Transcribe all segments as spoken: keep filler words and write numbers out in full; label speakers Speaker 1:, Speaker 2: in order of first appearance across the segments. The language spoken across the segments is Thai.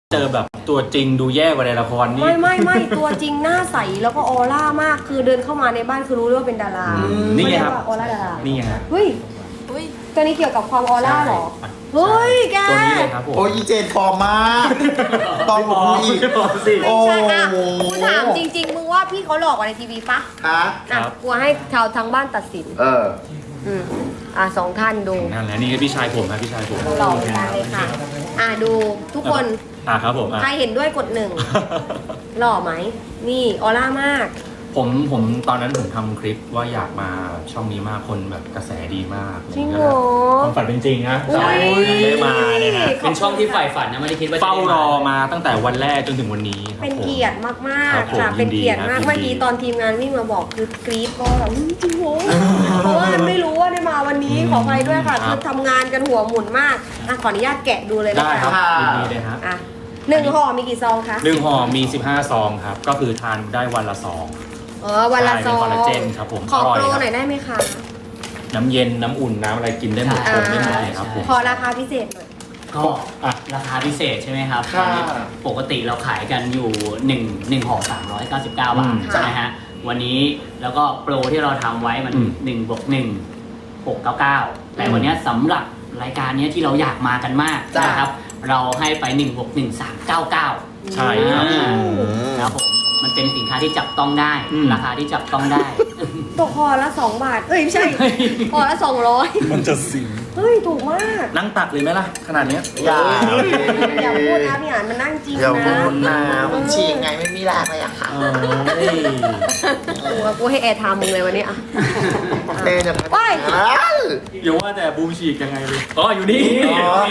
Speaker 1: เจอแบบตัวจริงดูแย่กว่าในละครนี่
Speaker 2: ไม่ไม่ไม่ตัวจริงหน้าใสแล้วก็ออร่ามากคือเดินเข้ามาในบ้านคือรู้เลยว่าเป็นดารา
Speaker 1: นี่ไงครับ
Speaker 2: ออร่าดารา
Speaker 1: นี่ฮะ
Speaker 2: เฮ้ยตัวนี้เกี่ยวกับความออร่าเหรอเฮ้ยแก
Speaker 1: ตัวนี้เลยครับผม
Speaker 3: โอ้ยอีเจนปลอมมากปลอมผมอีก
Speaker 1: สิ
Speaker 3: โอ้
Speaker 2: ใช่อ่ะ
Speaker 3: โห
Speaker 2: กูถามจริง ๆ มึงว่าพี่เขาหลอกกว่าในทีวีปะ
Speaker 3: ฮะ
Speaker 2: อ่ะกลัวให้ชาวทางบ้านตัดสิน
Speaker 3: เออ
Speaker 2: อืมอ่ะสองท่านดู
Speaker 1: นั่นแหละนี่พี่ชายผมครับพี่ชายผม
Speaker 2: หลอกกันเลยค่ะ อ่ะดูทุกคน
Speaker 1: อ่ะครับผมอ่ะ
Speaker 2: ใครเห็นด้วยกดหนึ่งหล่อไหมนี่ออร่ามาก
Speaker 1: ผมผมตอนนั้นผมทำคลิปว่าอยากมาช่องนี้มากคนแบบกระแสดีมาก
Speaker 2: จริงเหรอ
Speaker 1: ความฝันเป็นจริงนะ
Speaker 2: อุ๊ย
Speaker 1: ได้มาเนี่ยนะ
Speaker 4: เป็นช่องที่ใฝ่ฝันนะไม่ได้คิดว่าจะ
Speaker 1: เฝ้า
Speaker 4: ได้
Speaker 1: รอมาตั้งแต่วันแรกจนถึงวันนี้ครับ
Speaker 2: เป็น
Speaker 1: ผม
Speaker 2: เกียรติมาก
Speaker 1: ครับ
Speaker 2: ๆ
Speaker 1: ผม
Speaker 2: ค่ะ เป็นเกียรติมาก
Speaker 1: ยินดีครับ
Speaker 2: เมื่อกี้ตอนทีมงานวิ่งมาบอกคือกรี๊ดก็แบบอื้อจริงโหเพราะว่าไม่รู้ว่าได้มาวันนี้ขออภัยด้วยค่ะ
Speaker 1: ครั
Speaker 2: คื
Speaker 1: บ
Speaker 2: อทำงานกันหัวหมุนมากอ่ะขออนุญาตแกะดูเลยนะ
Speaker 1: ได้ครับ
Speaker 2: คะ
Speaker 1: ยินดีเลยฮะ
Speaker 2: อ่ะหนึ่งห่อมีกี่ซองคะ
Speaker 1: หนึ่งห่อมีสิบห้าซองครับก็คือทานได้วันละซอง
Speaker 2: เออวันละซอง
Speaker 1: ใช่เป็นคอลลาเจนครับผม
Speaker 2: ขอ
Speaker 1: อร่อย
Speaker 2: โปร
Speaker 1: ครับ
Speaker 2: หน่อยได้ไหมคะ
Speaker 1: น้ำเย็นน้ำอุ่นน้ำอะไรกินได้หมด
Speaker 2: อ่า
Speaker 1: ชงได้หมดเลยครับผม
Speaker 2: ขอราคาพิเศษหน่อย
Speaker 4: ก็
Speaker 1: อ่ะ
Speaker 4: ราคาพิเศษใช่ไหมครับ
Speaker 3: ค่ะ
Speaker 4: ตอนนี้ปกติเราขายกันอยู่1 1ห่อสามร้อยเก้าสิบเก้าบาท
Speaker 1: อืม
Speaker 4: ใช่ไหมฮะวันนี้แล้วก็โปรที่เราทำไว้มัน
Speaker 1: อืม
Speaker 4: หนึ่งบวกหนึ่งหกเก้าเก้าแต่วันนี้สำหรับรายการนี้ที่เราอยากมากันมาก
Speaker 3: จ้ะ
Speaker 4: นะครับเราให้ไป1บวกหนึ่ง สามเก้าเก้า
Speaker 1: ใช่ครับ
Speaker 4: อ่าครับผมมันเป็นสินค้าที่จับต้องได้
Speaker 1: อืม
Speaker 4: ราคาที่จับต้องได้
Speaker 2: ตกห่อละสองบาทเอ้ยไม่ใช่ห่อละสองร้อย
Speaker 1: มันจะสิง
Speaker 2: เฮ้ยถูกมาก
Speaker 1: นั่งตักเลยไหมล่ะ ขนาดเนี้ย
Speaker 3: อย่า
Speaker 2: อย่าพูดนะพี่อ่านมันนั่งจริง
Speaker 3: อย่า
Speaker 2: นะ
Speaker 3: พูดนะผมฉีกไงไม่มีแรงเลยอะค่ะ
Speaker 1: เอ้ย
Speaker 2: กูกูให้แอร์ไทม์มึงเลยวันนี้อ่ะ
Speaker 3: เต้นจะ
Speaker 2: โอ้ย
Speaker 1: อย่าว่าแต่บูมฉีกยังไงเลยอ๋ออยู่นี่
Speaker 3: อ๋อ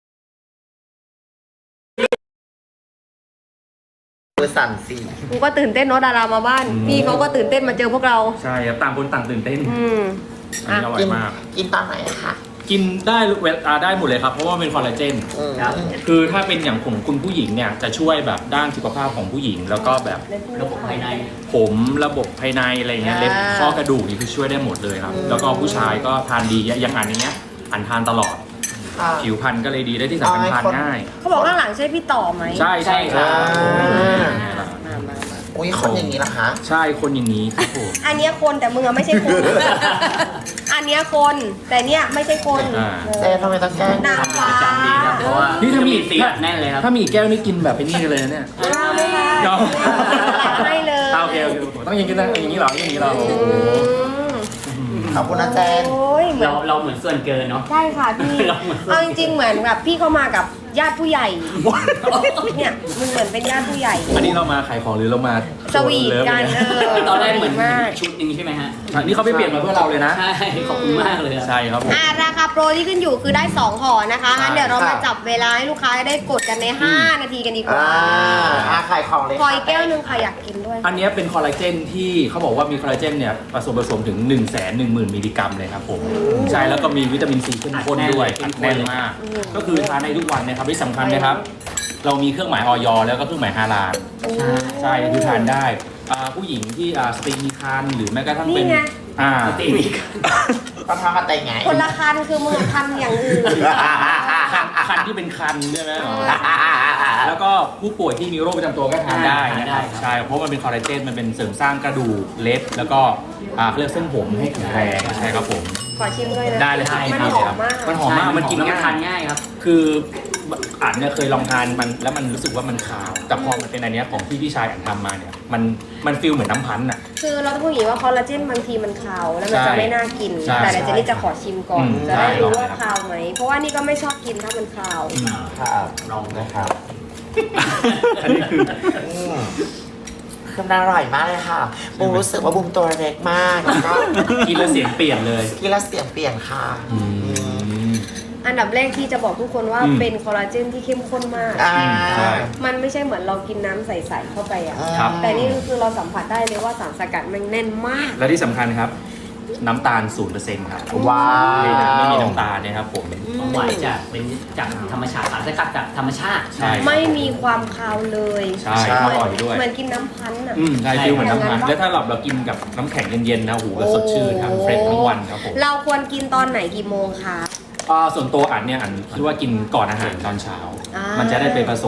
Speaker 3: มือสั่นสิ
Speaker 2: กูก็ตื่นเต้นเนาะดารามาบ้าน พี่เขาก็ตื่นเต้นมาเจอพวกเรา
Speaker 1: ใช่ครับต่างคนต่างตื่นเต้น
Speaker 2: อืม
Speaker 1: อัน
Speaker 2: อ่ะ
Speaker 1: นี้อร่อ
Speaker 3: กิ
Speaker 1: ย
Speaker 3: น
Speaker 1: มาก
Speaker 3: กินตอนไหนอะคะ
Speaker 1: กินได้เวลาได้หมดเลยครับ เพราะว่าเป็นคอลลาเจน
Speaker 3: อืม
Speaker 4: ครับ
Speaker 1: คือถ้าเป็นอย่างของคุณผู้หญิงเนี่ยจะช่วยแบบด้านสุขภาพของผู้หญิง แล้วก็แบบ
Speaker 4: ระบบภายใน
Speaker 1: ผมระบบภายในอะไรเงี้ยเล็บข้อกระดูกนี่คือช่วยได้หมดเลยครับ แล้วก็ผู้ชายก็ทานดีอย่างอันเนี้ยอันทานตลอด
Speaker 3: ค่ะ
Speaker 1: ผิวพรรณก็เลยดีได้ที่สำคัญทานง่าย
Speaker 2: เขาบอกข้างหลังใช่พี่ต่อไหม
Speaker 1: ใช่ใช่ครับ
Speaker 3: อ่า
Speaker 1: นี่แหละ
Speaker 2: มามามา
Speaker 3: อุ้ยคนอย่างนี้ล่ะคะ
Speaker 1: ใช่คนอย่างนี้ครับผม
Speaker 2: อันเนี้ยคนแต่มึงอะไม่ใช่คน อันเนี้ยคนแต่เนี้ยไม่ใช่คน
Speaker 1: อ่า
Speaker 2: เอ
Speaker 3: เต้
Speaker 2: อ
Speaker 3: ทำไมต้องแกล้ง
Speaker 2: นางฟ้า
Speaker 4: จำดีครับเพราะว่า
Speaker 1: นี่ถ้ามี
Speaker 4: สีอัดแน่นเลยครับ
Speaker 1: ถ้ามีอีกแก้วนี่กินแบบไอ้นี่เลยนะเนี่ย
Speaker 2: เอาไม่ได้
Speaker 1: เอา
Speaker 2: ให้เลย
Speaker 1: อ่าโอเคโอเคโอเคต้องอย่างนี้นะอย่างนี้เหรออย่างนี้เหรอโอ้โห
Speaker 2: อืม
Speaker 3: ขอบคุณนะแจน
Speaker 2: โอ้ยเหมือน
Speaker 4: เราเราเหมือนส่วนเกินเนาะ
Speaker 2: ใช่ค่ะพี่
Speaker 4: เราเหมือน
Speaker 2: เอาจริงๆเหมือนแบบพี่เขามากับญาติผู้ใหญ่ เนี่ยมึงเหมือนเป็นญาติผู้ใหญ่
Speaker 1: อันนี้เรามาขายของหรือเรามา
Speaker 2: สวีทกัน
Speaker 1: เลิ
Speaker 2: เอ
Speaker 1: ฟ
Speaker 2: อ
Speaker 4: ตอนแรกเหมือน
Speaker 2: มาก
Speaker 4: ชุดหนึงใช่ไหมฮะ
Speaker 1: ใช่นี่เขาไปเปลี่ยนมาเพื่อเราเลยนะ
Speaker 4: ใช่ขอบคุณมากเลยอะ
Speaker 1: ใช่ครับผม
Speaker 2: อ่าราคาโปรที่ขึ้นอยู่คือได้สองห่อนะคะงั้นเดี๋ยวเรา
Speaker 3: ครั
Speaker 2: มา
Speaker 3: บ
Speaker 2: จับเวลาให้ลูกค้าได้กดกันในห้านาทีกันดีกว่า
Speaker 3: อ่าอาขายของเลย
Speaker 2: คอยแก้วหนึงค่ะอยากกินด้วย
Speaker 1: อันนี้เป็นคอลลาเจนที่เขาบอกว่ามีคอลลาเจนเนี่ยผสมผสมถึง 1 1 0 0 0 0 มิลลิกรัมเลยครับผมใช่แล้วก็มีวิตามินซีเข้มข้นด้วยอัดแน่นมาก
Speaker 2: อืม
Speaker 1: ก็คือทานในทุกวันนะครับที่สำคัญนะครับ เรามีเครื่องหมายออยแล้วก็เครื่องหมายฮาลาล
Speaker 4: ใช่
Speaker 1: ใช่คือทานได้อ่าผู้หญิงที่อ่าสตรีมีครรภ์หรือแม้กระทั่งเป็น
Speaker 2: นี่ไง
Speaker 1: อ่า
Speaker 4: ตีมีกัน
Speaker 3: ประทานมาแต่งไง
Speaker 2: คนละคันคือมือคันอย่างอื่น
Speaker 1: คันคันที่เป็นคันใช่ไหมอ๋อแล้วก็ผู้ป่วยที่มีโรคประจำตัวก็ทานได้นะครับใช่เพราะมันเป็นคอลลาเจนมันเป็นเสริมสร้างกระดูกเล็บแล้วก็อ่าเขาเรียกเส้นผมให้แข็งแรงใช่ครับผม
Speaker 2: ขอชิมด้วยนะ
Speaker 1: ได้เลยครับ
Speaker 2: มันหอมมาก
Speaker 1: มันหอมมากมันกิน
Speaker 4: แล้วมัน
Speaker 1: ง่าย
Speaker 4: ทานง่ายครับ
Speaker 1: คืออ่านเนี่ยเคยลองทานมันแล้วมันรู้สึกว่ามันคาวแต่พอมันเป็นอันเนี้ยของที่พี่ชายอ่านทำมาเนี่ยมันมันฟีลเหมือนน้ำพันธุ์อ่ะ
Speaker 2: คือเราต้องพูดอย่างนี้ว่าคอลลาเจนบางทีมันคาวแล้วมัน
Speaker 1: ใช่
Speaker 2: จะไม่น่ากิน
Speaker 1: ใช่
Speaker 2: แต่เดี๋ยวเจนนี่จะขอชิมก่อน
Speaker 1: อืม
Speaker 2: จะได้รู้
Speaker 1: ได้
Speaker 2: ว่า
Speaker 1: ครับ
Speaker 2: คาวไหม เพราะว่านี่ก็ไม่ชอบกินถ้ามันคาว
Speaker 3: ครับ
Speaker 4: ลอง
Speaker 3: นะครับ
Speaker 1: อันนี้คือ
Speaker 3: อืมเครื่องอร่อยมากเลยค่ะบูมรู้สึกว่าบูมตัวเล็กมากแล้วก็
Speaker 1: กินแล้วเสียงเปลี่ยนเลย
Speaker 3: กินแล้วเสียงเปลี่ยนค่ะ
Speaker 1: อืม
Speaker 2: อันดับแรกที่จะบอกทุกคนว่า
Speaker 1: อืม
Speaker 2: เป็นคอลลาเจนที่เข้มข้นมาก
Speaker 3: อ่า
Speaker 1: ใช่
Speaker 2: มันไม่ใช่เหมือนเรากินน้ำใสๆเข้าไปอ่ะ
Speaker 1: ครับ
Speaker 2: แต่นี่คือเราสัมผัสได้เลยว่าสารสกัดมันแน่นมาก
Speaker 1: และที่สำคัญครับ น้ำตาล ศูนย์เปอร์เซ็นต์ ครับ
Speaker 3: ว้าว
Speaker 1: ไม่ไม่มีน้ำตาลนะครับผม
Speaker 4: ความหวานจากเป็นจากธรรมชาติสารสกัดจากธรรมชาติ
Speaker 1: ใช่
Speaker 2: ไม่มีความคาวเลย
Speaker 1: ใช่อร่อยด้วย
Speaker 2: เหมือนกินน้ำพันธุ์อ่ะ
Speaker 1: อืมใช่ฟีลเหมือนน้ำพันธุ์
Speaker 2: ใช่
Speaker 1: แล้วถ้าเราเรากินกับน้ำแข็งเย็นๆนะโอ้โหก็สดชื่นครับเฟรชทั้งวันครับผม
Speaker 2: เราควรกินตอนไหนกี่โมงคะ
Speaker 1: อ่าส่วนตัวอันเนี่ยอันคิดว่ากินก่อนอาหารตอนเช้า
Speaker 2: อ่ามั
Speaker 1: มันจะได้ไปผสม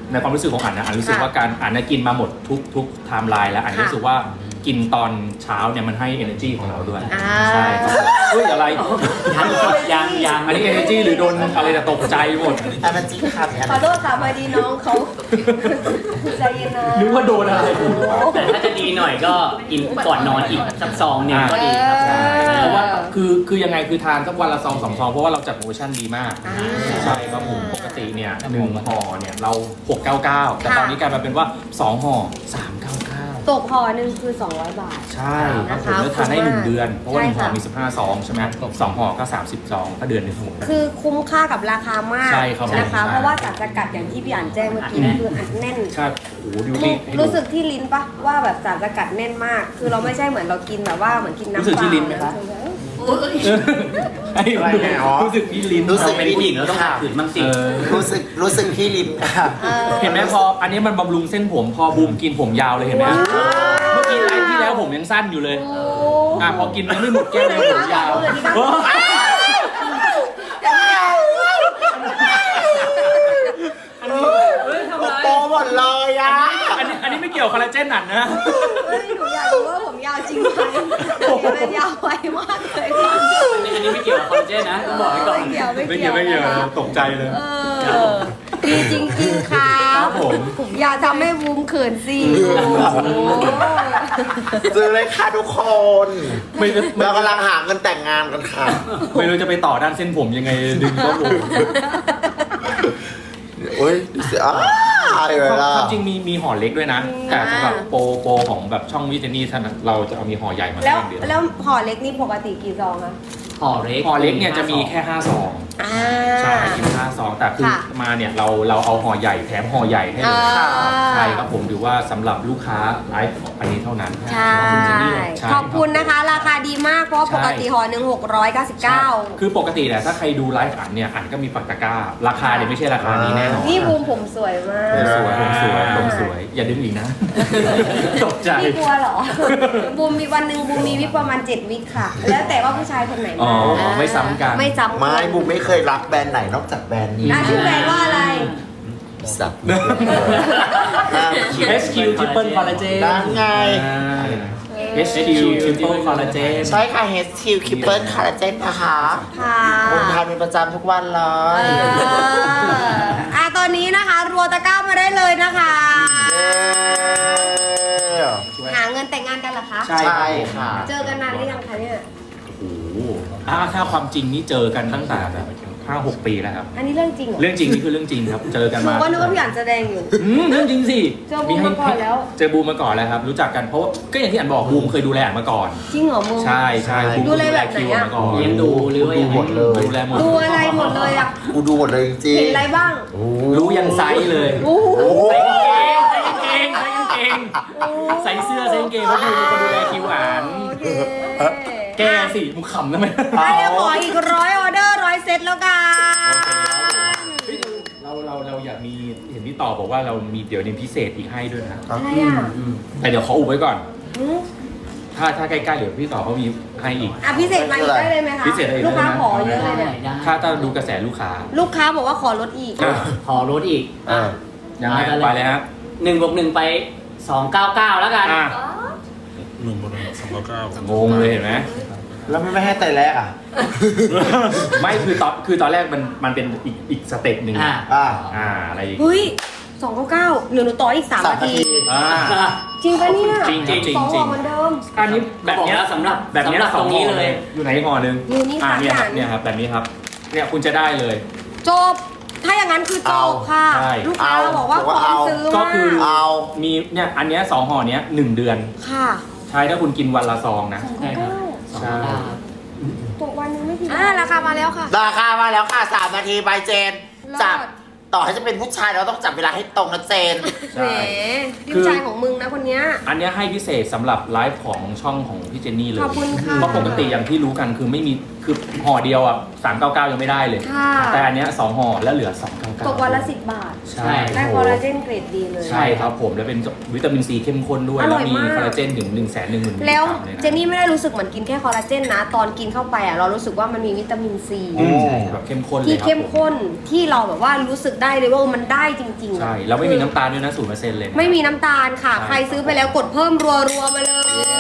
Speaker 1: ในความรู้สึกของอันนะอันรู้สึก
Speaker 2: ค่ะ
Speaker 1: ว่าการอันนะกินมาหมดทุกทุกไทม์ไลน์แล้วอัน
Speaker 2: ค่ะ
Speaker 1: รู้สึกว่ากินตอนเช้าเนี่ยมันให้ energy ของเราด้วย
Speaker 2: อ่า
Speaker 1: ใช่ครับผมเฮ้ยอะไร
Speaker 4: ยังยังยัง
Speaker 1: อันนี้ energy หรือโดนอะไรจะตกใจหมด
Speaker 3: อันนั้นจริงค่ะเนี่ย
Speaker 2: ขอโทษค่ะพอดีน้องเขาใจเย็นนะ
Speaker 1: นึกว่าโดนอะไร
Speaker 4: แต่ถ้าจะดีหน่อยก็กินก่อนนอนอีกสักซองหนึ่งก็ดีครับ
Speaker 2: เออ
Speaker 1: เพราะว่าคือคือยังไงคือทานสักวันละซองสองซองเพราะว่าเราจัดโปรโมชั่นดีมาก
Speaker 2: อ่า
Speaker 1: ใช่ครับผมปกติเนี่ยหนึ่งห่อเนี่ยเราหกเก้าเก้าแต่ตอนนี้กลายมาเป็นว่าสองห่อสามเก้าเก้า
Speaker 2: ตกห่อหนึ่งคือ สองร้อย บาท
Speaker 1: ใช่ครับผม
Speaker 2: นะคะ
Speaker 1: แล้วทานได้หนึ่งเดือน เพราะว่าหนึ่งห่อ
Speaker 2: ใช่ค่ะ
Speaker 1: มีสิบห้าซองใช่ไหมสองห่อก็สามสิบซองก็เดือนหนึงหมด
Speaker 2: คือคุ้มค่ากับราคามาก
Speaker 1: ใช่ครับ
Speaker 2: นะคะ
Speaker 1: ใช่
Speaker 2: เพราะว่าสารสกัดอย่างที่พี่อ่านแจ้งเมื่อกี้คืออัดแน่น
Speaker 1: ใช่โอ้โหดู
Speaker 2: รู้
Speaker 1: ดิให้ดู
Speaker 2: รู้สึกที่ลิ้นปะว่าแบบสารสกัดแน่นมาก คือเราไม่ใช่เหมือนเรากินแบบว่าเหมือนกินน้ำ
Speaker 1: รู้สึกที่ลิ้นไหมคะ ไอ้
Speaker 3: อะไรเนี่ยอ๋อ
Speaker 1: รู้สึกที่ลิ้น
Speaker 3: รู้สึก
Speaker 4: เป็นผู้หญิงแล้วต้องขัดขืนบ้างสิ
Speaker 1: เออ
Speaker 3: รู้สึกรู้สึกที่ลิ้นค่ะ
Speaker 2: ออ
Speaker 1: เห็นไหมพออันนี้มันบำรุงเส้นผมพอบูมกินผมยาวเลยเห็นไหม
Speaker 2: ว้าว
Speaker 1: เมื่อกี้ไลฟ์ที่แล้วผมยังสั้นอยู่เลย
Speaker 2: โอ้
Speaker 1: อ่ะพอกินมันไม่หมดแก้วเลยผมยาว
Speaker 2: เออดีมาก
Speaker 3: โอ้โตหมดเลยอ่ะ
Speaker 1: อันนี้อันนี้ไม่เกี่ยวคอลลาเจนหนันนะ
Speaker 2: เฮ้ยหนูอยากรู้ว่าผมยาวจริงไหมมันยาวไวมากเลยค่ะ
Speaker 4: อันนี้อันนี้ไม่เกี่ยวกับคอลลาเจนนะต้องบอกไว้ก่อน
Speaker 2: ไม่เกี่ยว
Speaker 1: ไม่
Speaker 2: ไม่
Speaker 1: เกี่
Speaker 2: เกี่
Speaker 1: ย
Speaker 2: ยว ว
Speaker 1: ไม่เกี่ยว
Speaker 2: นะคะ
Speaker 1: ตกใจเลย
Speaker 2: เออดีจริงๆค่ะ
Speaker 1: ครับผม
Speaker 2: อย่าทำให้บูมเขินสิโอ้โห
Speaker 3: ซื้อเลยค่ะทุกคน
Speaker 1: ไม่รู้
Speaker 3: เรากำลังหาเงินแต่งงานกันค่ะ
Speaker 1: ไม่รู้จะไปต่อด้านเส้นผมยังไงดึงก็บูม
Speaker 3: โอ้ยเสียอ้าวเลยล่ะ
Speaker 1: ความจริงมีมีห่อเล็กด้วยนะ แต่สำหรับโปรโปรของแบบช่องวิจนี่ท่านเราจะเอามีห่อใหญ่มา
Speaker 2: แล้ว
Speaker 1: ให้เดียว
Speaker 2: แล้วห่อเล็กนี่ปกติกี่ซองคะ
Speaker 4: ห่อเล็ก
Speaker 1: ห่อเล็กเนี่ยจะมีแค่ห้าซอง
Speaker 2: อ่า
Speaker 1: ใช่กินห้าซองแต่คือ
Speaker 2: ค่ะ
Speaker 1: มาเนี่ยเราเราเอาห่อใหญ่แถมห่อใหญ่ให้เลย
Speaker 2: อ่า
Speaker 1: ใช่ครับผมถือว่าสำหรับลูกค้าไลฟ์อันนี้เท่านั้น
Speaker 2: ใช่
Speaker 1: ใช่
Speaker 2: ขอบคุณนะคะ ราคาดีมากเพราะว่าปกติห่อหนึ่งหกร้อยเก้าสิบ
Speaker 1: ใช่
Speaker 2: เก้า
Speaker 1: คือปกติเนี่ยถ้าใครดูไลฟ์อันเนี่ยอันก็มีปักตะกร้า ราคาเนี่ยไม่ใช่ราคานี้แน่นอน
Speaker 2: นี่บูมผมสวยมาก
Speaker 1: ผมสวยผมสวยผมสวย อย่าดึงอีกนะ ตกใจ
Speaker 2: พี่กลัวเหรอ บูมมีวันหนึ่งบูมมีวิกประมาณเจ็ดวิกค่ะ แล้วแต่ว่าผู้ชายคนไหน
Speaker 1: อ๋
Speaker 2: มา
Speaker 1: อไม่ซ้ำกัน
Speaker 2: ไม่ซ้ำ
Speaker 3: ไม่บุมไม่เคยรักแบรนด์ไหนนอกจากแบรนด์นี้
Speaker 2: อ่ะชื่อแบรนด์ว่าอะไร
Speaker 3: สัตว์
Speaker 1: เอส คิว Triple Collagen
Speaker 3: ได้ไง
Speaker 1: เอส คิว Triple Collagen
Speaker 3: ใช่ค่ะ เอช คิว Triple Collagen นะคะ
Speaker 2: ค่ะ
Speaker 3: บุมทานเป็นประจำทุกวันเล
Speaker 2: เอย ออ่ะตอนนี้นะคะ รัวตะกร้ามาได้เลยนะคะ
Speaker 3: เย้
Speaker 2: หาเงินแต่งงานกันเหรอคะ
Speaker 1: ใช่
Speaker 3: ใช่ค่ะ
Speaker 2: เจอกันนานหรือยังคะเนี่ย
Speaker 1: โอ้โหอ่าถ้าความจริงนี่เจอกันตั้งแต่แบบห้าหกปีแล้วครับ
Speaker 2: อันนี้เรื่องจริงเหรอ
Speaker 1: เรื่องจริงนี่คือเรื่องจริงครับ เจอกัน
Speaker 2: หนู
Speaker 1: มา
Speaker 2: ก็นึกว่าพี่อ่านแสดงอยู่
Speaker 1: อืมเรื่องจริงสิ
Speaker 2: เจอบูมมาก่อนแล้ว
Speaker 1: เจอบูมมาก่อนแล้วครับ รู้จักกันเพราะว่าก็อย่างที่อันบอกบูมเคยดูแลอันมาก่อน
Speaker 2: จริงเหรอมึง
Speaker 1: ใช่ใช่บูม
Speaker 2: ดูแลแบบไหนอะ
Speaker 1: คิวมาก่อน
Speaker 4: เลี้ยงดูหรือว่า
Speaker 3: ดู
Speaker 4: ยัง
Speaker 3: หม
Speaker 4: ไง
Speaker 3: ดเลย
Speaker 1: ดูแลหมด
Speaker 2: ดูอะไรหมดเลยอ่ะ
Speaker 3: กูดูหมดเลยจริง
Speaker 2: เห็นอะไรบ้าง
Speaker 3: ๆโอ้
Speaker 1: รู้ยันไซส์เลย
Speaker 2: โอ้โห
Speaker 3: โอ้โห
Speaker 1: ใส่กางเกงใส่กางเกงใส่กางเกงใส่เสื้อใส่กางเกงเพราะบูมเป็นคนดูแลคิวอ่าน
Speaker 2: โอเค
Speaker 1: แกสิมึงขำทำไม
Speaker 2: อ่ะเดี๋ยวขออีกร้อยออเดอร์ร้อยเซตแล้วกัน
Speaker 1: เฮ้ยเราเราเราอยากมีเห็นพี่ต่อบอกว่าเรามีเดี๋ยวนี้พิเศษอีกให้ด้วยนะ
Speaker 2: อะไรอ่ะ
Speaker 1: แต่เดี๋ยวขออุบไว้ก่อน
Speaker 2: หืม
Speaker 1: ถ้าถ้าใกล้ๆเดี๋ยวพี่ต่อเขามีให้อีก
Speaker 2: อ่ะพิเศษมาอีกได้เลยไหมคะ
Speaker 1: พิเศษได้เลยนะ
Speaker 2: ลูกค้าขอเยอะเลยเนี่ย
Speaker 4: ได้
Speaker 1: ถ้าถ้าดูกระแสลูกค้า
Speaker 2: ลูกค้าบอกว่าขอลดอีก
Speaker 1: อ่ะ
Speaker 4: ห่อรถอีก
Speaker 3: อ่ะ
Speaker 1: ยังไงไปเลยฮะ
Speaker 4: หนึ่งบวกหนึ่งไปสองเก้าเก้าแล้วกัน
Speaker 1: อ่ะ
Speaker 5: หนึ่งบนหนึ่งสองเก้าเก้าง
Speaker 1: งเลยเห็นไหม
Speaker 3: แล้วไม่ให้แต่แรกอ่ะ
Speaker 1: ไม่คือตอนคือตอนแรกมันมันเป็นอีกอีกสเต็ปหนึ่ง
Speaker 4: อ่า
Speaker 3: อ่ะ
Speaker 1: อ่าอะไรอีก
Speaker 2: เฮ้ยสองเก้าเก้าเหลือหนูต่ออีกสาม
Speaker 3: สาม
Speaker 2: นา
Speaker 3: นา
Speaker 2: ที
Speaker 3: ที
Speaker 1: อ่า
Speaker 2: จริงปะเนี่ย
Speaker 1: จริงจริงจริง
Speaker 2: สอง
Speaker 1: จริ
Speaker 2: ห่อง เหมือนเดิม
Speaker 1: อันนี้แบบเนี้ย
Speaker 4: บอกแล้วสำหรับ
Speaker 1: แบบเนี้ย
Speaker 4: สำหรับ
Speaker 1: สอง
Speaker 4: ตรงนี้
Speaker 1: ห่อ
Speaker 4: เลย
Speaker 1: อยู่ไหนห่อหนึ่ง
Speaker 2: อยู่นี่
Speaker 1: อ่า
Speaker 2: สาม
Speaker 1: เนี่ย
Speaker 2: อ
Speaker 1: ค
Speaker 2: ย่า
Speaker 1: รับ
Speaker 2: ง
Speaker 1: เนี่ยครับแบบนี้ครับเนี่ยคุณจะได้เลย
Speaker 2: จบ ถ้าอย่างนั้นคือจบค่ะ
Speaker 1: ใช่
Speaker 2: ลูกค้า
Speaker 3: เอา
Speaker 2: บอกว่าพร้อมซื้อ
Speaker 1: ก็
Speaker 2: มา
Speaker 1: คือ
Speaker 2: ก
Speaker 3: เอา
Speaker 1: มีเนี่ยอันเนี้ยสองห่อเนี้ยหนึ่งเดือน
Speaker 2: ค่ะ
Speaker 1: ใช่ถ้าคุณกินวันละซองนะ
Speaker 4: ใช่ครับสองเก้าเก้า
Speaker 2: ตกวันนึงไม่กี่อ่าราคามาแล้วค่ะ
Speaker 3: ราคามาแล้วค่ะสามนาทีบายเจน
Speaker 2: รอด
Speaker 3: จับต่อให้จะเป็นผู้ชายเราต้องจับเวลาให้ตรงนะเจน
Speaker 1: ใช่
Speaker 2: แหมดิวใจของมึงนะคนเนี้ย
Speaker 1: อันเนี้ยให้พิเศษสำหรับไลฟ์ของช่องของพี่เจนนี่เลย
Speaker 2: ขอบคุณค่ะ
Speaker 1: เพราะปกติอย่างที่รู้กันคือไม่มีคือห่อเดียวอ่ะสามเก้าเก้ายังไม่ได้เลย
Speaker 2: ค่ะ
Speaker 1: แต่อันเนี้ยสองห่อแล้วเหลือสองเก้าเก้า
Speaker 2: ตกวันละสิบบาท
Speaker 1: ใช่
Speaker 2: ได้คอลลาเจนเกรดดีเลย
Speaker 1: ใช่ครับผมแล้วเป็นวิตามินซีเข้มข้นด้วย
Speaker 2: อร่
Speaker 1: แล้ว
Speaker 2: อย
Speaker 1: มี
Speaker 2: มาก
Speaker 1: คอลลาเจนถึงหนึ่งแสนหนึ่งหมื่น
Speaker 2: แล้ว
Speaker 1: เลยนะ
Speaker 2: เจนนี่ไม่ได้รู้สึกเหมือนกินแค่คอลลาเจนนะ ตอนกินเข้าไปอ่ะเรารู้สึกว่ามันมีวิตามินซี
Speaker 1: อืมแบบเข้มข้นเลย
Speaker 2: ที่
Speaker 1: ครับ
Speaker 2: เข้มข้นที่เราแบบว่ารู้สึกได้เลยว่ามันได้จริงๆอะ
Speaker 1: ใช่แล้วไม่มีน้ำตาลด้วยนะศูนย์เปอร์เซ็นต์เลยนะ
Speaker 2: ไม่มีน้ำตาลค่ะ
Speaker 1: ใช่
Speaker 2: ใครซื้อไปแล้วกดเพิ่มรัวๆมาเลย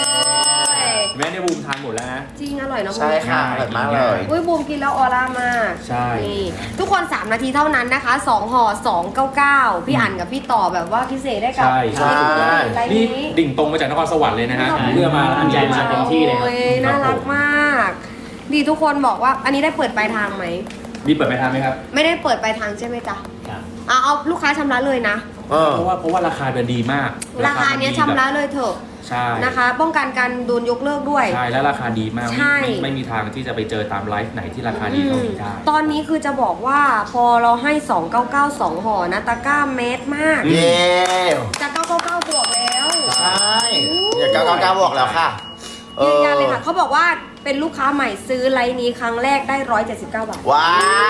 Speaker 1: แม่ได้บูมทานหมดแล้วนะ
Speaker 2: จริงอร่อยเนอะ
Speaker 3: ใช่ค่ะอร่อยมากเลย
Speaker 2: อุ้ยบูมกินแล้วออร่ามาก
Speaker 1: ใช่
Speaker 2: นี่ทุกคนสามนาทีเท่านั้นนะคะสองห่อสองเก้าเก้าพี่อั๋นกับพี่ต่อแบบว่าพิเศษได้กับ
Speaker 1: ใช่
Speaker 3: ใช่
Speaker 2: ไลน์
Speaker 1: นี่
Speaker 2: นี้
Speaker 1: ดิ่งตรงมาจากนครสวรรค์เลยนะฮะ
Speaker 2: ขอบคุณ
Speaker 1: เพื่อมา
Speaker 4: ตั้งใจมาเต็มที่เลยครับ
Speaker 2: โอ้ยน่ารักมาก ดีทุกคนบอกว่าอันนี้ได้เปิดปลายทางไหม
Speaker 1: มีเปิดไปทานไหมครับ
Speaker 2: ไม่ได้เปิดปลายทางใช่ไหมจ๊ะ
Speaker 4: ครับ
Speaker 2: เอาเอาลูกค้าชำระเลยนะ
Speaker 3: เออ
Speaker 1: เพราะว่าเพราะว่าราคามันดีมาก
Speaker 2: ราคาเนี้ยชำระเลยเถอะ
Speaker 1: ใช่
Speaker 2: นะคะ ป้องกันการโดนยกเลิกด้วย
Speaker 1: ใช่แล้วราคาดีมาก
Speaker 2: ใช่
Speaker 1: ไม่ไม่ไม่มีทางที่จะไปเจอตามไลฟ์ไหนที่ราคาดีเท่านี้ได้
Speaker 2: ตอนนี้คือจะบอกว่าพอเราให้สองเก้าเก้าสองห่อนะตะกร้าเมตรมาก
Speaker 3: เย้
Speaker 2: จากเก้าเก้าเก้าบวกแล้ว
Speaker 3: ใช่เดี๋ยวเก้าเก้าเก้าบอกแล้วค่ะ
Speaker 2: ยืนยันเลยค่ะเขาบอกว่าเป็นลูกค้าใหม่ซื้อไลน์นี้ครั้งแรกได้ร้อยเจ็ดสิบเก้าบาท
Speaker 3: ว้าย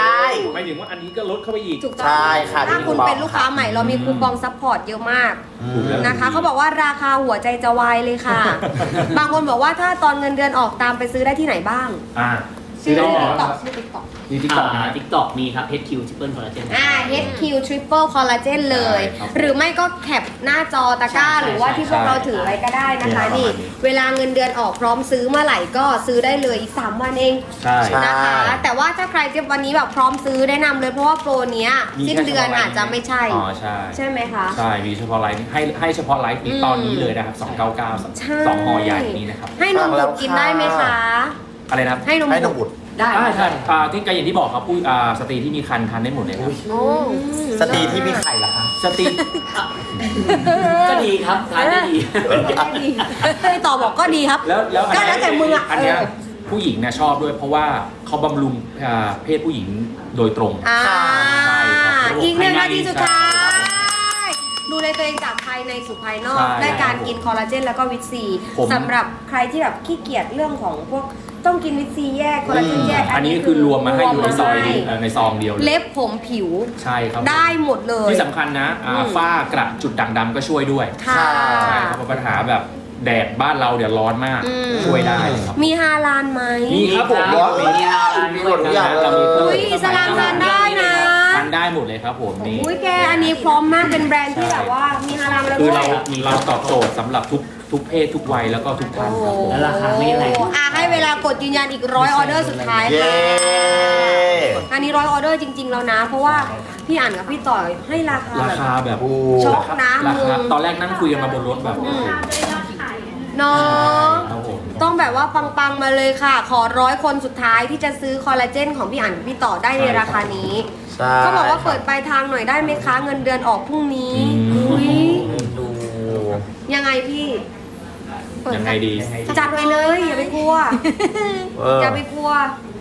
Speaker 1: หมายถึงว่าอันนี้ก็ลดเข้าไปอีก
Speaker 2: ถูกต้อง
Speaker 3: ใช่ค่ะ
Speaker 2: ถ้าคุณ
Speaker 3: มีคูปอง
Speaker 2: เป็นลูกค้าใหม่เรามีคูปองซัพพอร์ตเยอะมาก
Speaker 3: อืม
Speaker 2: นะคะเขาบอกว่าราคาหัวใจจะวายเลยค่ะ บางคนบอกว่าถ้าตอนเงินเดือนออกตามไปซื้อได้ที่ไหนบ้าง
Speaker 1: อ่า
Speaker 2: ชื่อ
Speaker 1: ได้
Speaker 2: ติ๊
Speaker 1: เหร
Speaker 2: กต็อ
Speaker 1: อก
Speaker 2: ชื่อติ๊กต็อก
Speaker 1: มีทิกตอกนะ
Speaker 4: ทิกตอกมีครับ เอช คิว Triple Collagen
Speaker 2: อ่า เอช คิว Triple Collagen เลย
Speaker 1: ใช่ครับ
Speaker 2: หรือไม่ก็แคปหน้าจอตะกร้า
Speaker 4: ใช่ใช่
Speaker 2: หรือว่าที่พวก
Speaker 1: ใช่
Speaker 2: เราถือไว้ก็ได้นะคะ
Speaker 1: ใช่
Speaker 2: นี่
Speaker 1: ประมาณนี้
Speaker 2: เวลาเงินเดือนออกพร้อมซื้อเมื่อไหร่ก็ซื้อได้เลยอีกสามวันเอง
Speaker 1: ใช่
Speaker 3: ใช่
Speaker 2: นะคะ แต่ว่าถ้าใครจะวันนี้แบบพร้อมซื้อแนะนำเลยเพราะว่าโปรเนี้ย
Speaker 1: มี
Speaker 2: สิ้น
Speaker 1: แค่
Speaker 2: เดือน
Speaker 1: ฉพาะไลฟ์
Speaker 2: อาจจะไม่ใช่
Speaker 1: อ๋อใช่
Speaker 2: ใช่ไหมคะ
Speaker 1: ใช่ มีเฉพาะไลฟ์ให้ให้เฉพาะไลฟ์นี้
Speaker 2: อืม
Speaker 1: ตอนนี้เลยนะครับสองเก้าเก้า
Speaker 2: ใช่
Speaker 1: สองห่อใหญ่นี้นะครับ
Speaker 2: ให้นมบุตรกินได้ไหมคะ
Speaker 1: อะไรนะครับ
Speaker 2: ให้นม
Speaker 3: ให้น
Speaker 2: บุ
Speaker 3: ม
Speaker 2: ตร
Speaker 3: บุตร
Speaker 4: ได้
Speaker 1: ได้
Speaker 4: ได้
Speaker 1: ใช่อ่าที่ก็อย่างที่บอกครับผู้อ่าสตรีที่มีคันทานได้หมดเลยครับ
Speaker 2: โอ้
Speaker 3: สตรีที่มีไข่เหรอคะ
Speaker 1: สตรี
Speaker 4: ก็ดีครับทานได้ดี
Speaker 2: ก็ดีให้ต่อบอกก็ดีครับ
Speaker 1: แล้วแล้วอัน
Speaker 2: ก็
Speaker 1: เนี้
Speaker 2: แล้วแต่มึงอ่ะ
Speaker 1: อันเนี้ย
Speaker 2: เออ
Speaker 1: ผู้หญิงเนี่ยชอบด้วยเพราะว่าเขาบำรุงอ่าเพศผู้หญิงโดยตรง
Speaker 2: อ่า
Speaker 1: ใช่ครับ
Speaker 2: อีกหนึ่งนาทีสุดท้า
Speaker 1: ใช่
Speaker 2: ย ดูแลตัวเองจากภายในสู่ภายนอก
Speaker 1: ใช่
Speaker 2: ได้การกินคอลลาเจนแล้วก็วิตซี
Speaker 1: ผม
Speaker 2: สำหรับใครที่แบบขี้เกียจเรื่องของพวกต้องกินวิตซีแยกคอลลาเจนแยก
Speaker 1: อันนี้คือรวมมาให้อยู่ในซอย
Speaker 2: รวมมา
Speaker 1: นี้เอ่อในซองเดียวเลย
Speaker 2: เล็บผมผิว
Speaker 1: ใช่ครับ
Speaker 2: ได้หมดเลย
Speaker 1: ที่สำคัญนะอ่า
Speaker 2: อืม
Speaker 1: ฝ้ากระจุดด่างดำก็ช่วยด้วย
Speaker 2: ค่ะ
Speaker 1: ใช่ครับเพราะปัญหาแบบแดดบ้านเราเดี๋ยวร้อนมาก
Speaker 2: อืม
Speaker 1: ช่วยได้เลยครับ
Speaker 2: มีฮาลานไหม
Speaker 1: มีครับผม
Speaker 4: มีมีอาหาร
Speaker 3: มี
Speaker 4: ด้
Speaker 3: หม
Speaker 4: วย
Speaker 3: ดทุกอย่าง
Speaker 1: เรามีเครื่อง
Speaker 2: อุ้ยอิสลามทานได้นะ
Speaker 1: ทานได้หมดเลยครับผมนี่
Speaker 2: อุ้ยแกอันนี้พร้อมมากเป็นแบรนด์ที่แบบว่ามีฮาลานแล้ว
Speaker 1: คือ
Speaker 2: ด้ว
Speaker 1: เรา
Speaker 2: ย
Speaker 1: เราตอบโจทย์สำหรับทุกทุกเพศทุกวัยแล้วก็ทุกท่านครับผม
Speaker 4: แล้วราคาไม่แรง
Speaker 2: โอ้อ่ะให้เวลากดยืนยันอีกร้อยออเดอร์สุดท้าย
Speaker 3: เย้
Speaker 2: ค่ะ อันนี้ร้อยออเดอร์จริง ๆ แล้วนะ เพราะว่าพี่อ่านกับพี่ต่อยให้ราคา
Speaker 1: รา
Speaker 2: แบบ
Speaker 1: คาแบบ
Speaker 3: โอ้
Speaker 2: ช็อกนะ
Speaker 1: รา
Speaker 2: มึ
Speaker 1: คาง ตอนแรกนั่งคุยกันมาบนรถแบบ
Speaker 2: อืมเนาะ
Speaker 1: ครับผม
Speaker 2: ต้องแบบว่าปังๆมาเลยค่ะ ขอร้อยคนสุดท้ายที่จะซื้อคอลลาเจนของพี่อ่านกับพี่ต่อได้ในราคานี้
Speaker 3: ใช่
Speaker 2: เขาบอกว่าเปิดปลายทางหน่อยได้ไหมคะ เงินเดือนออกพรุ่งนี้อุ้ย
Speaker 3: ดู
Speaker 2: ยังไงพี่เปิ
Speaker 1: ยังไงดี
Speaker 2: จัดไปเลย อย่าไปกลัว
Speaker 3: เออ
Speaker 2: อย่าไปกลัว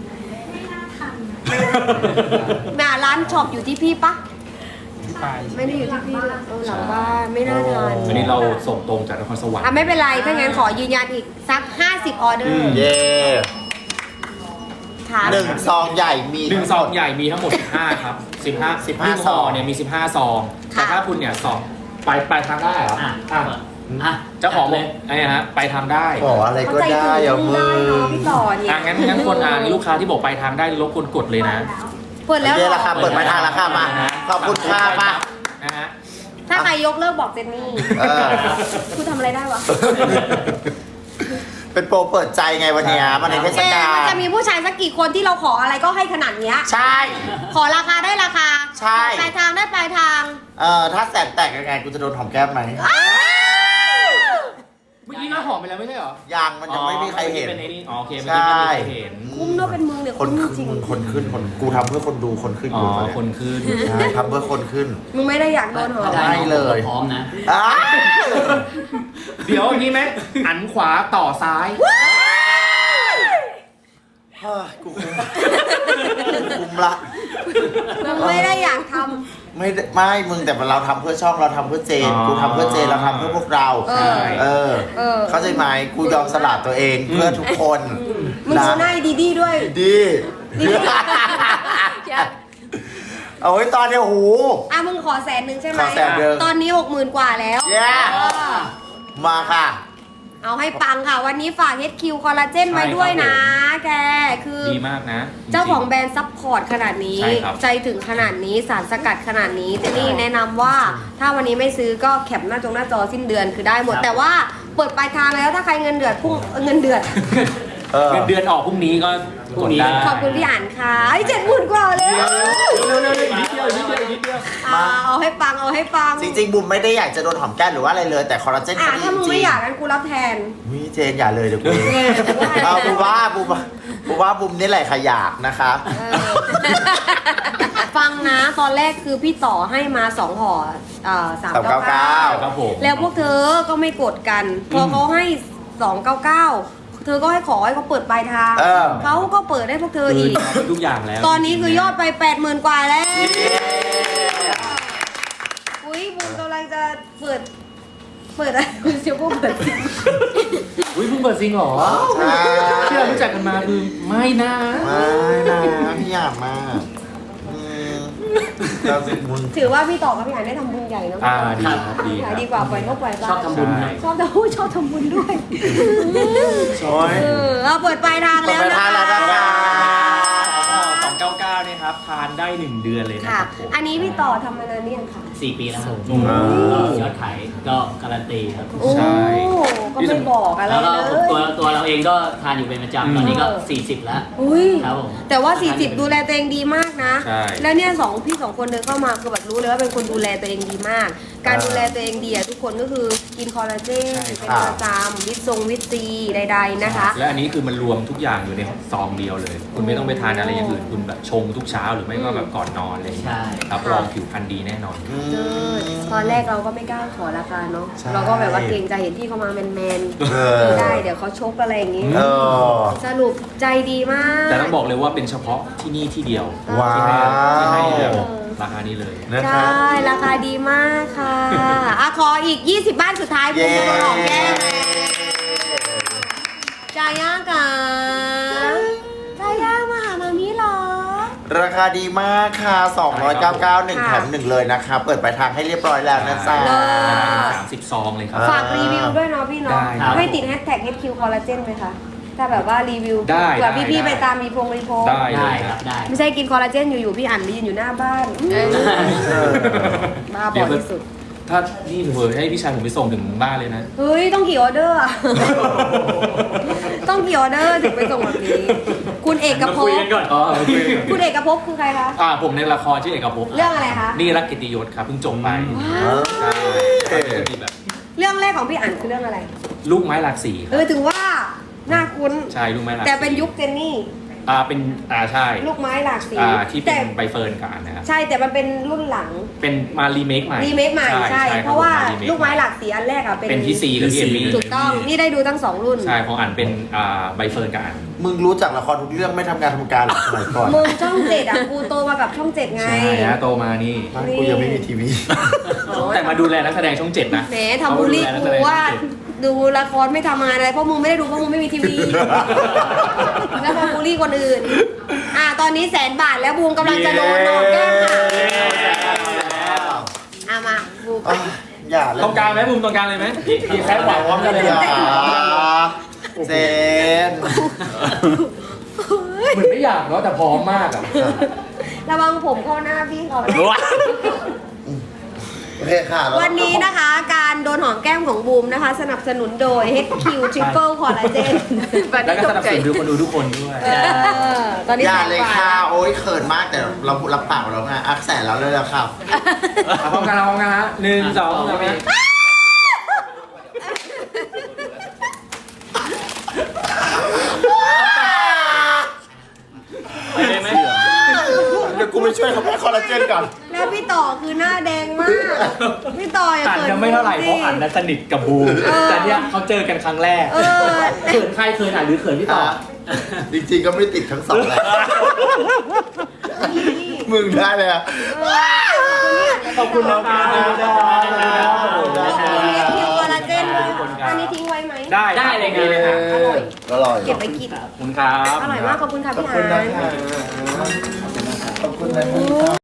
Speaker 2: แม่ร้านช็อปอยู่ที่พี่ปะไม่ได้อยู่ที่พี่เออหลังบ้านไม่น่าทัน
Speaker 1: อันนี้เราส่งตรงจากนครสวรรค์
Speaker 2: อ่ะไม่เป็นไร ถ้างั้นขอยืนยันอีกสักห้าสิบออเดอร์
Speaker 3: เย้
Speaker 2: ถาม
Speaker 3: หนึ่งซองใหญ่มี
Speaker 1: หนึ่งซองใหญ่มีทั้งหมด สิบห้า ครับ สิบห้า
Speaker 3: สิบห้า
Speaker 1: หนึ่ง
Speaker 3: ซอง
Speaker 1: เนี่ยมี สิบห้า ซอง แต่ถ้าคุณเนี่ยสองไปไปทางได้เหรอ
Speaker 4: อ่ะ
Speaker 1: อ่ะ
Speaker 4: อ่ะ
Speaker 1: เจ้าของ
Speaker 4: เล
Speaker 1: เลย ยไอ้เนี่ยฮะไปทางได้
Speaker 3: ขออะไร
Speaker 2: เขา
Speaker 3: ก็
Speaker 2: ใจ
Speaker 3: ได้
Speaker 2: ถึง
Speaker 3: อย่ามึ
Speaker 2: ได้เนาะ
Speaker 3: ง
Speaker 2: พี่ต่อเนี่ย
Speaker 1: อ่ะงั้นงั้นคนอ่านลูกค้าที่บอกไปทางได้รบกวนกดเลยนะ
Speaker 2: เปิดแล้วเหร
Speaker 3: เย้
Speaker 2: อ
Speaker 3: ราคาเปิดปลายทางแล้วค่ะมา ขอบคุณค่ะมา
Speaker 1: นะฮะ
Speaker 2: ถ้าใครยกเลิกบอกเจนนี่
Speaker 3: เออ
Speaker 2: คุณทำอะไรได้วะ
Speaker 3: เป็นโปรเปิดใจไงวันเนี้ยมันในเทศ
Speaker 2: แก
Speaker 3: กา
Speaker 2: มัน
Speaker 3: ล
Speaker 2: จะมีผู้ชายสักกี่คนที่เราขออะไรก็ให้ขนาดเนี้ย
Speaker 3: ใช่
Speaker 2: ขอราคาได้ราคา
Speaker 3: ใช่
Speaker 2: ปลายทางได้ปลายทาง
Speaker 3: เอ่อถ้าแสบแตกยังไงกูจะโดนหอมแก้มไหม
Speaker 1: เมื่อกี้เราหอมไปแล้วไม่ใช่เหรอ
Speaker 3: ยังมันยังไม่มีใครเห็น
Speaker 1: เป็นไอ้นี่อ๋อโอเคเมื่อกี้ไม่มีใครเห็น
Speaker 2: คุ้มเนอะเป็นมึงเนี่ย
Speaker 3: คน
Speaker 2: คุ้มจ
Speaker 3: ขึ้
Speaker 2: ริ
Speaker 3: น
Speaker 2: ง
Speaker 3: คนขึ้นคนกูทำเพื่อคนดูคนขึ้น
Speaker 1: อ๋
Speaker 3: อ
Speaker 1: อยู่
Speaker 3: ตอนเนี้ย
Speaker 1: คนขึ้น
Speaker 3: ใช่ทำเพื่อคนขึ้น
Speaker 2: มึงไม่ได้อยากโดนหอม
Speaker 4: ถ้าได้
Speaker 3: ไม่เลย
Speaker 4: พร้อมนะ
Speaker 3: อ้า
Speaker 1: เดี๋ยวอย่างนี้ไหมอันขวาต่อซ้าย
Speaker 3: เฮ้ยกูคุมคุมละ
Speaker 2: มึงไม่ได้อยากท
Speaker 3: ไม่ได้ไม่มึงแต่เราทำเพื่อช่องเราทำเพื่อเจน
Speaker 1: อ๋อ
Speaker 3: กูทำเพื่อเจนเราทำเพื่อพวกเรา
Speaker 2: เออ
Speaker 3: เออ
Speaker 2: เออ
Speaker 3: เข้าใจไหมกูยอมสละตัวเองเพื่อทุกคน
Speaker 2: ำมึงดูหน้าดีดีด้วย
Speaker 3: ดี
Speaker 2: ดีอย่า
Speaker 3: เอาไว้ตอนเนี้ยโอ้โห
Speaker 2: อ่ะมึงขอแสนหนึ่งใช่ไหม
Speaker 3: ขอแสนหนึ่ง
Speaker 2: ตอนนี้หกหมื่นกว่าแล้ว
Speaker 3: เย้
Speaker 2: เออ
Speaker 3: มาค่ะ
Speaker 2: เอาให้ปังค่ะ วันนี้ฝาก เอช คิว คอลลาเจนไว้ด้วยนะ แก คือ
Speaker 1: ดีมากนะ
Speaker 2: เจ้าของแบรนด์ซัพพอร์ตขนาดนี้
Speaker 1: ใช่ครับ
Speaker 2: ใจถึงขนาดนี้สารสกัดขนาดนี้เจนี่แนะนำว่าถ้าวันนี้ไม่ซื้อก็แคปหน้าจงหน้าจอสิ้นเดือนคือได้หมด
Speaker 4: ครับ
Speaker 2: แต่ว่าเปิดปลายทางแล้วถ้าใครเงินเดือดพุ่งเงินเดือด
Speaker 3: เออ
Speaker 1: เงินเดือนออกพรุ่งนี้ก็กดได้
Speaker 2: ขอบคุณพี่อ่านค่ะไอ้เจ็ดหมื่นกว่าเลย
Speaker 1: เร็วๆๆอีกนิดเดียวอีกนิดเดียวอีกนิดเดียว
Speaker 2: อ่าเอาให้ปังเอาให้ปัง
Speaker 3: จริงๆบุมไม่ได้อยากจะโดนหอมแก้มหรือว่าอะไรเลย แต่คอลลาเจน
Speaker 2: อ่ะ
Speaker 3: เขาดี
Speaker 2: ถ้ามึง
Speaker 3: จริ
Speaker 2: ไม่
Speaker 3: ง
Speaker 2: อยากกันกูรับแทน
Speaker 3: วิเจนอย่าเลยเดี๋ยวกู
Speaker 2: เออแต่ว่า
Speaker 3: เอาบุมว่าบุมว่าบุมว่าบุมนี่แหละขยากนะคะ
Speaker 2: เออฟังนะตอนแรกคือพี่ต่อให้มาสองห่อสามเก้าเก้า
Speaker 1: ครับผม
Speaker 2: แล้วพวกเธอก็ไม่กดกัน พอเขาให้สองเก้าเก้าเธอก็ให้ขอให้เขาเปิดปลายทาง
Speaker 3: เออ
Speaker 2: เขาก็เปิดให้พวกเธอ
Speaker 1: คือ
Speaker 2: อีก
Speaker 1: ทำทุกอย่างแล้ว
Speaker 2: ตอนนี้คือยอดไปแปดหมื่นกว่าแล้ว อุ้ยบุมกำลังจะเปิด เปิดอะไรคุณเชียวก็เปิด
Speaker 1: อุ้ยเพิ่งเปิดซิงเหรอ
Speaker 3: ใช่
Speaker 1: ที่เรารู้จักกันมาคือไม่นะ
Speaker 3: ไม่นะพี่อยากมากอืมเราสิมึง
Speaker 2: ถือว่าพี่ต่อกับพี่อ่านได้ทำบุญใหญ่เนาะ
Speaker 1: อ่าดีครับดีค
Speaker 2: ขา
Speaker 1: รั
Speaker 2: ย
Speaker 1: บ
Speaker 2: ดีกว่าปล่อยนกปล่อยปลา
Speaker 4: ชอบทำบุญให้
Speaker 2: ชอบจะพูดชอบทำบุญด้วย
Speaker 3: โอ้ย
Speaker 2: เออเอาเปิดปลายทางแล้ว
Speaker 3: เปิดปลายทางแล้วนะคะ
Speaker 1: สองเก้าเก้าเนี่ยครับทานได้หนึ่งเดือนเลยนะ
Speaker 2: ค่ะ
Speaker 1: ครับผม
Speaker 2: อันนี้พี่ต่อทำมานานนี่ยังค่ะ
Speaker 4: สี่ปีแล้วครับ
Speaker 1: อืม
Speaker 4: ก็ยอดขายก็การันตีครับ
Speaker 2: โอ้
Speaker 1: ใช่
Speaker 2: ก็ไม่บอกอะไร
Speaker 4: แล้วก็
Speaker 2: เลย
Speaker 4: ตัวตัวเราเองก็ทานอยู่เป็นประจำตอนนี้ก็สี่สิบแล้ว
Speaker 2: อุ้ย
Speaker 4: ครับผม
Speaker 2: แต่ว่า สี่สิบ ดูแลตัวเองดีมากนะ
Speaker 1: ใช่
Speaker 2: แล้วเนี่ยสองพี่สองคนเดินเข้ามาคือแบบรู้เลยว่าเป็นคนดูแลตัวเองดีมาก การดูแลตัวเองดีอะทุกคนก็คือกินคอลลาเจน
Speaker 1: ใช่
Speaker 2: เป็น
Speaker 1: ครับ
Speaker 2: ประจำวิตซงวิตซีใด ๆนะคะ
Speaker 1: และอันนี้คือมันรวมทุกอย่างอยู่ในซองเดียวเลย คุณไม่ต้องไปทานอะไรอย่างอื่น คุณแบบชงทุกเช้าหรือไม่ก็แบบก่อนนอนอะไรอย่างเงี้ย
Speaker 4: ใช่
Speaker 1: รับรองผิวพรรณดีแน่นอน
Speaker 3: อื
Speaker 2: เจอ
Speaker 3: ม
Speaker 2: ตอนแรกเราก็ไม่กล้าขอราคาเนาะ
Speaker 3: ใช่
Speaker 2: เราก็แบบว่าเกรงใจเห็นพี่เขามาแมน
Speaker 3: เอ
Speaker 2: ๆ
Speaker 3: อ
Speaker 2: ไม่ได้เดี๋ยวเขาชกอะไรอย่างงี้
Speaker 3: เออ
Speaker 2: สรุปใจดีมาก
Speaker 1: แต่ต้องบอกเลยว่าเป็นเฉพาะที่นี่ที่เดียว
Speaker 3: ว้าว
Speaker 1: ที่ให้ที่ให้แบบราคานี้เลย
Speaker 3: นะ
Speaker 2: ใช
Speaker 3: ครับ
Speaker 2: ่ ราคาดีมากค่ะอ่ะขออีก ยี่สิบ บ้านสุดท้ายคุณจะมาหอมแก้มจาย่ากะจาย่ามาหามามีเหรอ
Speaker 3: ราคาดีมากค่ะสองร้อยเก้าสิบเก้า หนึ่ง
Speaker 2: ค่ะ
Speaker 3: แถมหนึ่งเลยนะคะ เปิดปลายทางให้เรียบร้อยแล้วนะจ๊ะ
Speaker 2: เลิศ
Speaker 1: สามสิบซองเลยครับ
Speaker 2: ฝากรีวิวด้วยเนาะพี่เนาะ
Speaker 1: ได้ครับ
Speaker 2: ให้ติดแฮชแท็ก เอช คิว Collagen ไหมคะ ถ้าแบบว่ารีวิว
Speaker 1: ได้
Speaker 2: เผื่อ
Speaker 1: ได้
Speaker 2: พี่ๆ
Speaker 1: ได้
Speaker 2: ไปตามรีพงรีโพส
Speaker 1: ได้เล
Speaker 4: ได้
Speaker 1: ย
Speaker 4: ครับได้
Speaker 2: ไม่ใช่กินคอลลาเจนอยู่ๆ พี่อ่านไปยืนอยู่หน้าบ้านอืม
Speaker 3: เออ
Speaker 2: บ้าบ
Speaker 1: เดี๋
Speaker 2: อ
Speaker 1: ยว
Speaker 2: ที่สุด
Speaker 1: ถ้านี่เผยให้พี่ชายผมไปส่งถึงบ้านเลยนะ
Speaker 2: เฮ้ย ต้องกี่ออเดอร์อะ ต้องกี่ออเดอร์ถึงไปส่งแบบนี้ คุณเอก
Speaker 1: มา
Speaker 2: ภ
Speaker 1: คุย
Speaker 2: พ
Speaker 1: กันก่อนอ๋อโอเค
Speaker 2: คุณเอกภพคือใครคะ
Speaker 1: อ่าผมในละครชื่อเอกภพ
Speaker 2: เรื่องอะไรคะ
Speaker 1: นี่รักกิตติยศครับเพิ่งจบไป
Speaker 3: เออ
Speaker 1: ใช่ก็มีแบบ
Speaker 2: เรื่องแรกของพี่อ่านคือเรื่องอะไร
Speaker 1: ลูกไม้หลากสีค
Speaker 2: เอ
Speaker 1: รับ
Speaker 2: อถึงว่าน่าคุ้น
Speaker 1: ใช่ลูกไม้หลากสี
Speaker 2: แต่เป็นยุคเจนนี่
Speaker 1: อ่าเป็นอ่าใช่
Speaker 2: ลูกไม้หลากสี
Speaker 1: อ่าที่เป็
Speaker 2: แต่
Speaker 1: นใบเฟิร์นกับอันนะครับ
Speaker 2: ใช่แต่มันเป็นรุ่นหลัง
Speaker 1: เป็นมารีเมคใหม่
Speaker 2: รีเมคใหม่ใช่
Speaker 1: คบ
Speaker 2: เพราะว่า
Speaker 1: ผม
Speaker 2: ลูกไม้หลากสีอันแรกอะเป็น
Speaker 1: เป็นพี่ซีกับพี่เอมมี่
Speaker 2: ถูกต้องนี่ได้ดูทั้งสองรุ่น
Speaker 1: ใช่ของอันเป็นอ่าใบเฟิร์นกับอัน
Speaker 3: มึงรู้จักละครทุกเรื่องไม่ทำงานทำการหรอกสมัยก่อน
Speaker 2: มึงช่องเจ็ดอะกูโตมากับช่องเจ็ดไง
Speaker 1: ใช่นะโตมานี่
Speaker 3: บ้านกูยังไม่มีทีวี
Speaker 1: แต่มาดูแลนักแสดงช่องเจ็ดนะ
Speaker 2: แหมทำบูลลี่กูว่าดูละครไม่ทำงานอะไรเพราะมึงไม่ได้ดูเพราะมึงไม่มีทีวี แล้วมาบูลลี่คนอื่น อ่าตอนนี้แสนบาทแล้วบูมกำลังจะโดนโดนแก้มค่ะอ่ะมาบูมไป
Speaker 3: อ่ะอย่าเลย
Speaker 1: ตรงกลางไหมบูมตรงกลางเลยไหมพี่แค่หวังว่ากันเลย
Speaker 3: อย่า
Speaker 1: นะ
Speaker 3: เจน
Speaker 1: เหมือนไม่อยากเนาะแต่พร้อมมากอ่ะ
Speaker 2: ระวังผมเข้าหน้าพี่เขานะ
Speaker 3: โอเคค่ะแล้ว
Speaker 2: วันนี้นะคะการโดนหอมแก้มของบูมนะคะ สนับสนุนโดย เอช คิว Triple Collagen
Speaker 1: แล้วก็สนับสนุนดูคนดูทุกคนด้วย
Speaker 2: เออตอนนี้
Speaker 3: อย่า
Speaker 2: แสน
Speaker 3: เลย
Speaker 2: กว่า
Speaker 3: ค่ะ โอ๊ยเขินมากแต่เรารับปากแล้วไงอักแสนแล้วเลยละครับ
Speaker 1: เอาพร้อมกันเอาพร้อมกันฮะหนึ่งสองสาม ไปเลยไหม
Speaker 3: เดี๋ยวกูไปช่วยเขาแพ้คอลลาเจนก่อน
Speaker 2: แล้วพี่ต่อคือหน้าแดงมาก พี่ต่ออย่า
Speaker 1: อัน
Speaker 2: เกิด
Speaker 1: ยังไม่เท่าไหร่เพราะอันนั้นสนิทกับบูมแต่เนี่ยเขาเจอกันครั้งแรก
Speaker 2: เออ
Speaker 1: เขินใครเขินอ่ะหรือเขินพี่ต่อ
Speaker 3: จริงๆก็ไม่ติดทั้งสองแหละมึงได้เลยอ่ะ
Speaker 1: ขอบคุณนะครับ
Speaker 2: ขอบคุณเอสคิวคอลลาเจนด้วยอันนี้ทิ้งไว้ไหม
Speaker 1: ได้
Speaker 4: ได้เลย
Speaker 1: ดีเลยครับ
Speaker 2: อร่อย
Speaker 6: อร่อย
Speaker 2: เก็บไปกิน
Speaker 1: ขอบคุณครับ
Speaker 2: อร่อยมากขอบคุณค่ะ
Speaker 6: ขอบ
Speaker 2: พี่
Speaker 6: คุณ
Speaker 2: หา
Speaker 6: นะ
Speaker 2: น
Speaker 6: คะขอบคุณนะครับ